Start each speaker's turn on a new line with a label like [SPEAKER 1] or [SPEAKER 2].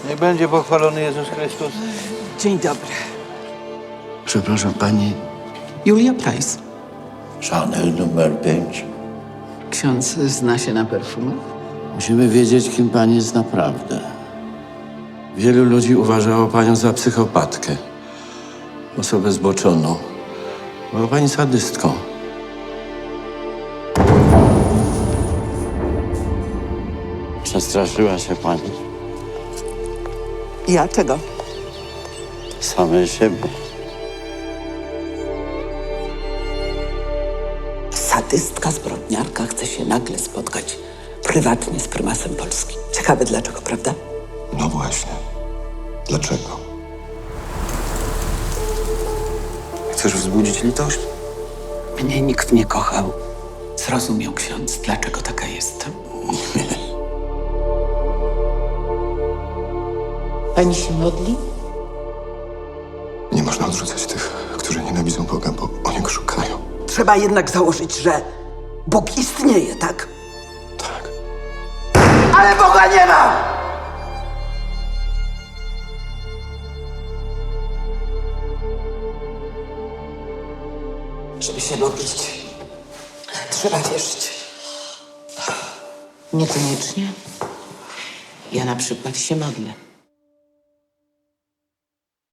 [SPEAKER 1] Niech będzie pochwalony Jezus Chrystus.
[SPEAKER 2] Dzień dobry.
[SPEAKER 3] Przepraszam, pani
[SPEAKER 2] Julia Price.
[SPEAKER 1] Chanel numer 5.
[SPEAKER 2] Ksiądz zna się na perfumach?
[SPEAKER 3] musimy wiedzieć, kim pani jest naprawdę. Wielu ludzi uważało panią za psychopatkę, osobę zboczoną. Była pani sadystką. Przestraszyła się pani
[SPEAKER 2] Ja czego?
[SPEAKER 3] samej siebie.
[SPEAKER 2] Sadystka, zbrodniarka chce się nagle spotkać prywatnie z prymasem Polski. Ciekawe dlaczego, prawda?
[SPEAKER 4] No właśnie. Dlaczego? Chcesz wzbudzić litość?
[SPEAKER 2] Mnie nikt nie kochał. Zrozumiał ksiądz, dlaczego taka jestem.
[SPEAKER 5] Pani się modli?
[SPEAKER 4] Nie można odrzucać tych, którzy nienawidzą Boga, bo oni go szukają.
[SPEAKER 2] Trzeba jednak założyć, że Bóg istnieje, tak?
[SPEAKER 4] Tak.
[SPEAKER 2] Ale Boga nie ma! Żeby się modlić, trzeba wierzyć.
[SPEAKER 5] Niekoniecznie. Ja na przykład się modlę.